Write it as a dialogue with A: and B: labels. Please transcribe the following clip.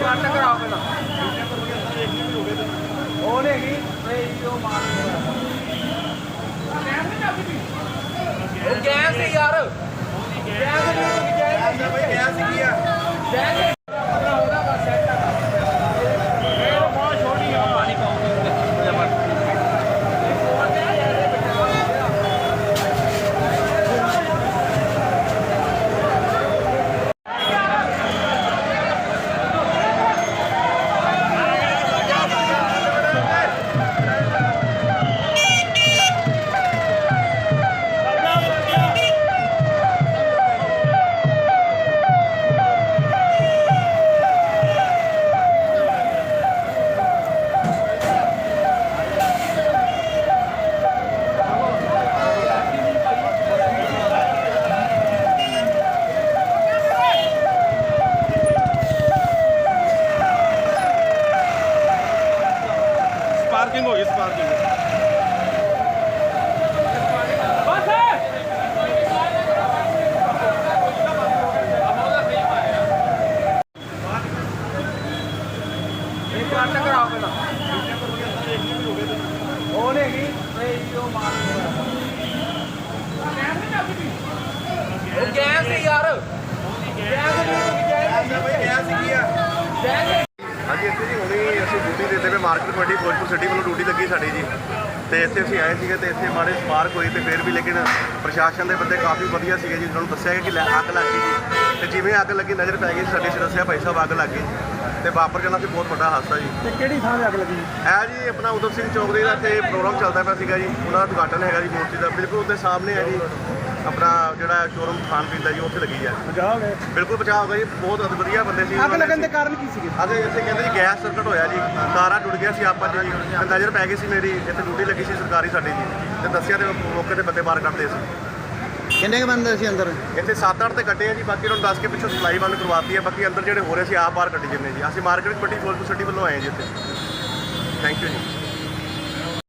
A: ਕੱਟ ਕਰਾਓ ਪਹਿਲਾਂ ਉਹ ਨਹੀਂ ਹੈਗੀ ਉਹ ਮਾਰ ਉਹ ਗੈਸ ਹੈ ਯਾਰ ਗੈਸ ਨਹੀਂ
B: ਭਾਈ ਗੈਸ ਕੀ ਆ
A: ਗੈਸ ਉਹਦਾ ਬਸ ਸੈੱਟ ਆ ਇਹ ਬਹੁਤ ਛੋਟੀ ਆ ਪਾਣੀ ਪਾਉਂਗੇ
B: स्पार्किंग होगी स्पार्किंग
A: ਕੱਟ ਕਰਾਓ ਪਹਿਲਾਂ ਉਹ ਨਹੀਂ ਹੈਗੀ ਉਹ ਮਾਰ ਉਹ ਗੈਸ ਹੈ ਯਾਰ ਗੈਸ ਨਹੀਂ
B: ਭਾਈ ਗੈਸ ਕੀ ਆ
A: ਗੈਸ
B: ਹਾਂਜੀ ਇੱਥੇ ਜੀ ਹੁਣੇ ਅਸੀਂ ਡਿਊਟੀ ਦੇ ਪਏ ਮਾਰਕੀਟ ਕਮੇਟੀ ਫਿਰੋਜ਼ਪੁਰ ਸਿਟੀ ਵੱਲੋਂ ਡਿਊਟੀ ਲੱਗੀ ਸਾਡੀ ਜੀ ਤੇ ਇੱਥੇ ਅਸੀਂ ਆਏ ਸੀਗੇ ਤੇ ਇੱਥੇ ਮਾੜੇ ਸਪਾਰਕ ਹੋਈ ਤੇ ਫਿਰ ਵੀ ਲੇਕਿਨ ਪ੍ਰਸ਼ਾਸਨ ਦੇ ਬੰਦੇ ਕਾਫੀ ਵਧੀਆ ਸੀਗੇ ਜੀ ਉਹਨਾਂ ਨੂੰ ਦੱਸਿਆ ਕਿ ਅੱਗ ਲੱਗ ਗਈ ਜੀ ਤੇ ਜਿਵੇਂ ਅੱਗ ਲੱਗੀ ਨਜ਼ਰ ਪੈ ਗਈ ਸਾਡੇ ਦੱਸਿਆ ਭਾਈ ਸਾਹਿਬ ਅੱਗ ਲੱਗ ਗਈ ਤੇ ਵਾਪਰ ਜਾਣਾ ਸੀ ਬਹੁਤ ਵੱਡਾ ਹਾਦਸਾ ਜੀ।
C: ਤੇ ਕਿਹੜੀ ਥਾਂ 'ਤੇ ਅੱਗ ਲੱਗੀ?
B: ਇਹ ਜੀ ਆਪਣਾ ਉਦਮ ਸਿੰਘ ਚੌਕ ਦੇ ਇੱਥੇ ਪ੍ਰੋਗਰਾਮ ਚੱਲਦਾ ਪਿਆ ਸੀਗਾ ਜੀ ਉਹਨਾਂ ਦਾ ਉਦਘਾਟਨ ਹੈਗਾ ਜੀ ਮੂਰਤੀ ਦਾ ਬਿਲਕੁਲ ਉਹਦੇ ਸਾਹਮਣੇ ਹੈ ਜੀ ਆਪਣਾ ਜਿਹੜਾ ਸ਼ੋਰੂਮ ਖਾਣ ਪੀਣ ਦਾ ਜੀ ਉੱਥੇ ਲੱਗੀ ਹੈ।
C: ਬਚਾਅ ਹੋ ਗਏ?
B: ਬਿਲਕੁਲ ਬਚਾਅ ਹੋ ਗਿਆ ਜੀ ਬਹੁਤ ਵਧੀਆ ਬੰਦੇ ਸੀ।
C: ਅੱਗ ਲੱਗਣ ਦੇ ਕਾਰਨ ਕੀ ਸੀਗੇ?
B: ਅਤੇ ਇੱਥੇ ਕਹਿੰਦੇ ਜੀ ਗੈਸ ਸਰਕਟ ਹੋਇਆ ਜੀ ਤਾਰਾਂ ਟੁੱਟ ਗਿਆ ਸੀ ਆਪਾਂ ਜੀ ਤੇ ਨਜ਼ਰ ਪੈ ਗਈ ਸੀ ਮੇਰੀ ਇੱਥੇ ਡਿਊਟੀ ਲੱਗੀ ਸੀ ਸਰਕਾਰੀ ਸਾਡੀ ਜੀ ਤੇ ਦੱਸਿਆ ਤੇ ਮੌਕੇ ਤੇ ਬੰਦੇ ਬਾਹਰ ਕੱਢਦੇ ਸੀ।
C: ਕਿੰਨੇ ਕੁ ਬੰਦੇ ਸੀ ਅੰਦਰ?
B: ਇੱਥੇ 7-8 ਤੇ ਕੱਟੇ ਆ ਜੀ ਬਾਕੀ ਉਹਨਾਂ ਨੂੰ ਦੱਸ ਕੇ ਪਿੱਛੋਂ ਸਪਲਾਈ ਬੰਦ ਕਰਵਾਤੀ ਹੈ ਬਾਕੀ ਅੰਦਰ ਜਿਹੜੇ ਹੋ ਰਹੇ ਸੀ ਆਪ ਬਾਹਰ ਕੱਢੀ ਜਾਂਦੇ ਜੀ। ਅਸੀਂ ਮਾਰਕੀਟ ਕਮੇਟੀ ਫਿਰੋਜ਼ਪੁਰ ਸਿਟੀ ਵੱਲੋਂ ਆਏ ਜੀ ਇੱਥੇ। ਥੈਂਕ ਯੂ ਜੀ।